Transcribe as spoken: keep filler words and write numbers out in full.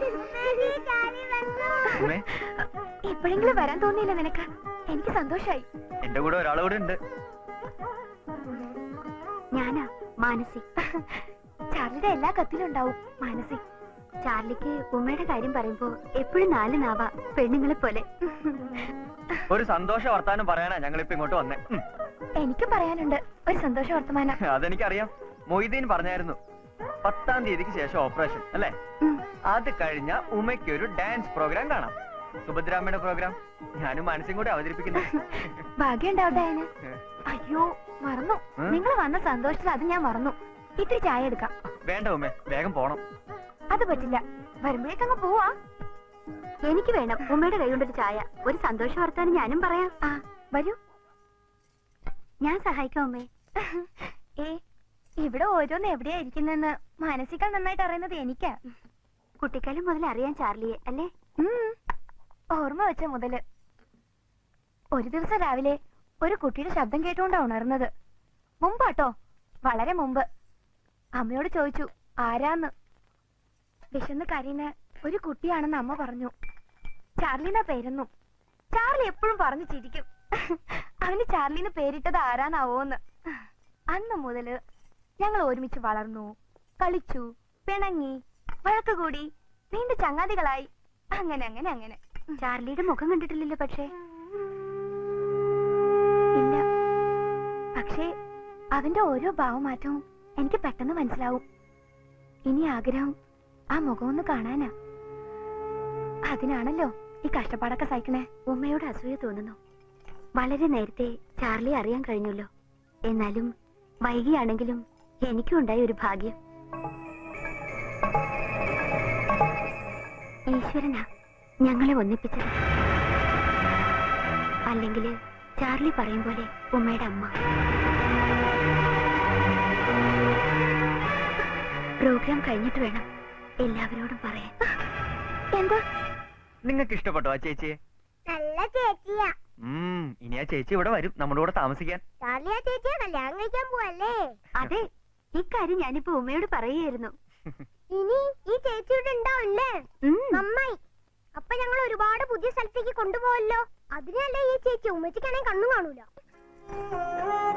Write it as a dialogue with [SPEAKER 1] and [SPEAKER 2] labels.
[SPEAKER 1] എപ്പോഴെങ്കിലും വരാൻ തോന്നിയില്ല നിനക്ക്? എനിക്ക് സന്തോഷായി.
[SPEAKER 2] എന്റെ കൂടെ ഒരാളോട് ഉണ്ട്.
[SPEAKER 1] ഞാനാ മാനസി. ചാർലിയുടെ എല്ലാ കത്തിലും ഉണ്ടാവും മാനസി. ചാർലിക്ക് ഉമ്മയുടെ കാര്യം പറയുമ്പോ എപ്പോഴും നാല് നാവാ, പെണ്ണുങ്ങളെ പോലെ.
[SPEAKER 2] ഒരു സന്തോഷ വർത്താനം പറയാനാ ഞങ്ങളിപ്പോ ഇങ്ങോട്ട് വന്നേ.
[SPEAKER 1] എനിക്ക് പറയാനുണ്ട് ഒരു സന്തോഷ വർത്തമാനം.
[SPEAKER 2] അതെനിക്കറിയാം, മൊയ്തീൻ പറഞ്ഞായിരുന്നു. പത്താം തീയതിക്ക് ശേഷം ഓപ്പറേഷൻ അല്ലേ? അത് കഴിഞ്ഞ ഉമ്മയ്ക്ക് ഒരു ഡാൻസ് പ്രോഗ്രാം കാണാം. സുഭദ്രാമ്മയുടെ പ്രോഗ്രാം ഞാനും മനസ്സും കൂടി അവതരിപ്പിക്കുന്നു.
[SPEAKER 1] ഭാഗ്യം ഉണ്ടാവട്ടെ അതിന്. അയ്യോ മറന്നു, നിങ്ങൾ വന്ന സന്തോഷത്തിൽ അത് ഞാൻ മറന്നു. ഇത്തിരി ചായ എടുക്കാം.
[SPEAKER 2] വേണ്ട ഉമ്മേ, വേഗം പോണം.
[SPEAKER 1] അത് പറ്റില്ല, വരുമ്പോഴേക്കങ്ങ് പോവാ. എനിക്ക് വേണം ഉമ്മയുടെ കൈ കൊണ്ടൊരു ചായ. ഒരു സന്തോഷ വർത്താനം ഞാനും പറയാം. ആ വരൂ, ഞാൻ സഹായിക്കാം ഉമ്മേ. ഏ ഇവിടെ ഓരോന്ന് എവിടെയാ ഇരിക്കുന്നെന്ന് മാനസികൾ നന്നായിട്ട് അറിയുന്നത് എനിക്കാ. കുട്ടിക്കാലം മുതൽ അറിയാൻ ചാർലിയെ അല്ലേ? ഓർമ്മ വെച്ച മുതല്. ഒരു ദിവസം രാവിലെ ഒരു കുട്ടിയുടെ ശബ്ദം കേട്ടുകൊണ്ടാ ഉണർന്നത്. മുമ്പാട്ടോ, വളരെ മുമ്പ്. അമ്മയോട് ചോദിച്ചു ആരാന്ന്. വിശന്ന് കരയുന്ന ഒരു കുട്ടിയാണെന്ന് അമ്മ പറഞ്ഞു. ചാർലിന്ന പേരെന്നു. ചാർലി എപ്പോഴും പറഞ്ഞു ചിരിക്കും അവന് ചാർലിന്ന് പേരിട്ടത് ആരാന്നാവോന്ന്. അന്ന് മുതല് ഞങ്ങൾ ഒരുമിച്ച് വളർന്നു, കളിച്ചു, പിണങ്ങി, വഴക്ക് കൂടി, നീണ്ട ചങ്ങാതികളായി. അങ്ങനെ അങ്ങനെ അങ്ങനെ. ചാർലിയുടെ മുഖം കണ്ടിട്ടില്ലല്ലോ? പക്ഷേ ഇല്ല. പക്ഷേ അവന്റെ ഓരോ ഭാവമാറ്റവും എനിക്ക് പെട്ടെന്ന് മനസ്സിലാവും. ഇനി ആഗ്രഹം ആ മുഖം ഒന്ന് കാണാനാ. അതിനാണല്ലോ ഈ കഷ്ടപ്പാടൊക്കെ സഹിക്കണേ. ഉമ്മയോട് അസൂയ തോന്നുന്നു. വളരെ നേരത്തെ ചാർലി അറിയാൻ കഴിഞ്ഞല്ലോ. എന്നാലും വൈകിയാണെങ്കിലും എനിക്കും ഉണ്ടായ ഒരു ഭാഗ്യം. ഈശ്വരനാ ഞങ്ങളെ ഒന്നിപ്പിച്ചത്. അല്ലെങ്കിൽ ചാർലി പറയും പോലെ ഉമ്മയുടെ അമ്മ. പ്രോഗ്രാം കഴിഞ്ഞിട്ട് വേണം എല്ലാവരോടും പറയാൻ. എന്താ
[SPEAKER 2] നിങ്ങൾക്ക് ഇഷ്ടപ്പെട്ടോ ആ ചേച്ചിയെ?
[SPEAKER 3] നല്ല ചേച്ചിയാ.
[SPEAKER 2] ഇനി ആ ചേച്ചി ഇവിടെ വരും നമ്മുടെ കൂടെ താമസിക്കാൻ.
[SPEAKER 3] ചാർലി ആ ചേച്ചിയെ കല്യാണം കഴിക്കാൻ പോവല്ലേ?
[SPEAKER 1] അതെ, ഇക്കാര്യം ഞാനിപ്പോ ഉമ്മയോട് പറയുകയായിരുന്നു.
[SPEAKER 3] ഇനി ഈ ചേച്ചിയുടെ ഉണ്ടാവല്ലേ? നന്നായി. അപ്പൊ ഞങ്ങൾ ഒരുപാട് പുതിയ സ്ഥലത്തേക്ക് കൊണ്ടുപോവല്ലോ. അതിനല്ലേ ഈ ചേച്ചി. ഉമ്മച്ചിക്കാണെങ്കിൽ കണ്ണും കാണൂല.